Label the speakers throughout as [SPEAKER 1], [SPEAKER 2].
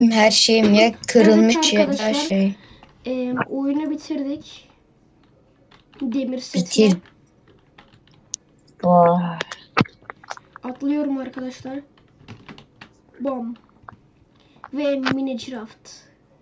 [SPEAKER 1] Her şeyim ya
[SPEAKER 2] Evet
[SPEAKER 1] kırılmış ya da
[SPEAKER 2] arkadaşlar,
[SPEAKER 1] şey.
[SPEAKER 2] oyunu bitirdik. Demir
[SPEAKER 1] Bitir.
[SPEAKER 2] setle.
[SPEAKER 1] Vay.
[SPEAKER 2] Atlıyorum arkadaşlar. Bom. Ve Minecraft.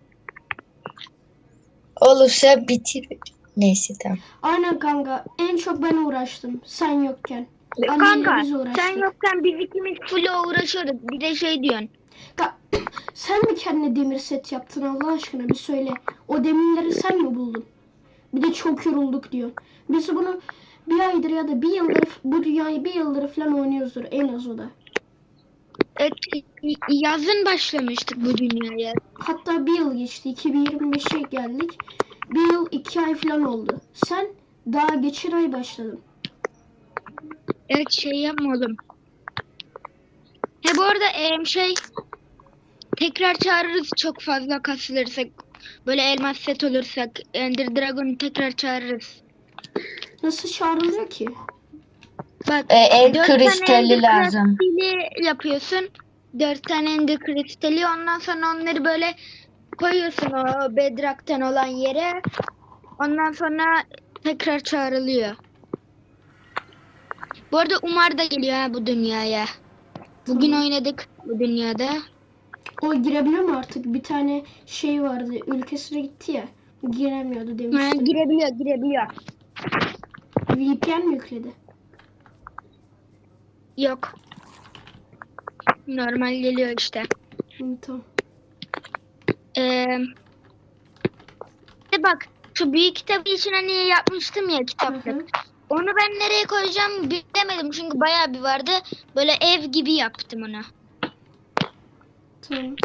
[SPEAKER 1] Olursa bitir. Neyse tamam.
[SPEAKER 2] Aynen kanka. En çok ben uğraştım. Sen yokken. Ali ile
[SPEAKER 3] Kanka
[SPEAKER 2] biz
[SPEAKER 3] sen
[SPEAKER 2] uğraştık.
[SPEAKER 3] yokken biz ikimiz full uğraşıyorduk. Bir de şey diyorsun.
[SPEAKER 2] Sen mi kendine demir set yaptın Allah aşkına bir söyle. O demirleri sen mi buldun? Bir de çok yorulduk diyor. Biz bunu bir aydır ya da bir yıldır, bu dünyayı bir yıldır falan oynuyoruzdur en az o da.
[SPEAKER 3] Evet, yazın başlamıştık bu dünyaya.
[SPEAKER 2] Hatta bir yıl geçti. 2025'e geldik. Bir yıl 2 ay falan oldu. Sen daha geçen ay başladın.
[SPEAKER 3] Evet şey yapmadım. He bu arada tekrar çağırırız çok fazla kasılırsak. Böyle elmas set olursak Ender Dragon'u tekrar çağırırız.
[SPEAKER 2] Nasıl çağrılıyor ki?
[SPEAKER 3] Bak
[SPEAKER 1] En
[SPEAKER 3] 4 tane
[SPEAKER 1] kristali
[SPEAKER 3] Ender
[SPEAKER 1] lazım.
[SPEAKER 3] kristali yapıyorsun. 4 tane Ender kristali ondan sonra onları böyle koyuyorsun o bedrock'tan olan yere. Ondan sonra tekrar çağrılıyor. Bu arada Umar da geliyor ha bu dünyaya. Bugün
[SPEAKER 2] Tamam.
[SPEAKER 3] oynadık bu dünyada.
[SPEAKER 2] O girebiliyor mu artık? Bir tane şey vardı. Ülkesine gitti ya. Giremiyordu
[SPEAKER 3] Ha,
[SPEAKER 2] demiştin.
[SPEAKER 3] girebiliyor.
[SPEAKER 2] VPN mi yükledi?
[SPEAKER 3] Yok. Normal geliyor işte.
[SPEAKER 2] Tamam.
[SPEAKER 3] Bak şu büyük kitabı için hani yapmıştım ya
[SPEAKER 2] Hı
[SPEAKER 3] kitaplık.
[SPEAKER 2] hı.
[SPEAKER 3] Onu ben nereye koyacağım bilemedim çünkü bayağı bir vardı. Böyle ev gibi yaptım onu.
[SPEAKER 2] Tamam.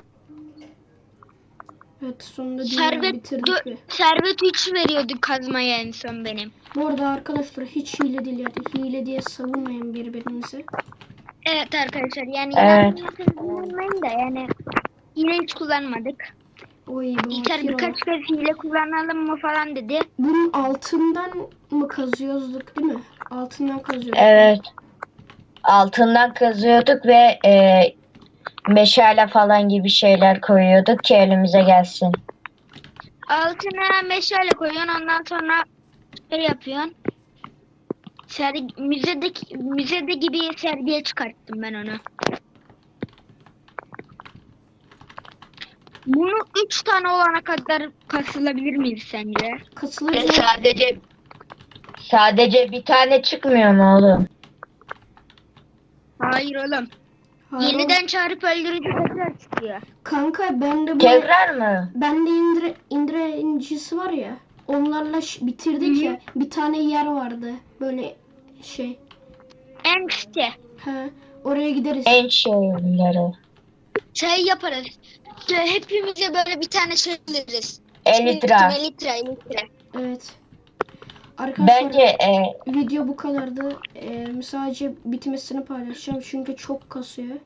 [SPEAKER 2] Evet sonunda dünyayı bitirdik ve.
[SPEAKER 3] Servet 3 veriyordu kazmaya en son benim.
[SPEAKER 2] Bu arada arkadaşlar hiç hile değil yani. Hile diye savunmayın birbirinizi.
[SPEAKER 3] Evet arkadaşlar yani
[SPEAKER 1] Evet.
[SPEAKER 3] inanmayın da yani hile hiç kullanmadık.
[SPEAKER 2] Oy
[SPEAKER 3] İlker
[SPEAKER 2] bakir
[SPEAKER 3] birkaç kez hile kullanalım mı falan dedi.
[SPEAKER 2] Bunun altından mı kazıyorduk değil mi? Altından kazıyorduk.
[SPEAKER 1] Evet. Altından kazıyorduk ve meşale falan gibi şeyler koyuyorduk ki elimize gelsin.
[SPEAKER 3] Altına meşale koyuyorsun ondan sonra şey yapıyorsun. Müzede gibi sergiye çıkarttım ben onu. Bunu 3 tane olana kadar kasılabilir miyiz sence?
[SPEAKER 2] Katılırız.
[SPEAKER 1] Sadece bir tane çıkmıyor mu oğlum?
[SPEAKER 3] Hayır oğlum.
[SPEAKER 2] Hayır,
[SPEAKER 3] Yeniden çağırıp öldürünce tekrar çıkıyor.
[SPEAKER 2] kanka bende bu
[SPEAKER 1] Tekrar mı?
[SPEAKER 2] bende indirincisi var ya. Onlarla bitirdik
[SPEAKER 3] Hı hı.
[SPEAKER 2] ya. Bir tane yer vardı. Böyle şey.
[SPEAKER 3] En site.
[SPEAKER 2] He, oraya gideriz.
[SPEAKER 1] En şeyleri.
[SPEAKER 3] Şey yaparız. Hepimize böyle bir tane şey alırız.
[SPEAKER 1] Elitra.
[SPEAKER 3] Elitra.
[SPEAKER 2] Evet. Arkadaşlar
[SPEAKER 1] Bence
[SPEAKER 2] video bu kadardı. Sadece bitmesini paylaşacağım çünkü çok kasıyor.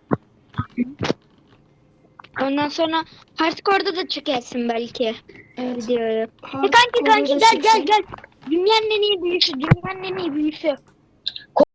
[SPEAKER 3] Ondan sonra hardcore'da da çekersin belki
[SPEAKER 2] Evet.
[SPEAKER 3] videoyu.
[SPEAKER 2] Hardcore'da
[SPEAKER 3] Kanki
[SPEAKER 2] çeksin.
[SPEAKER 3] gel. Dünyanın en iyi büyüsü.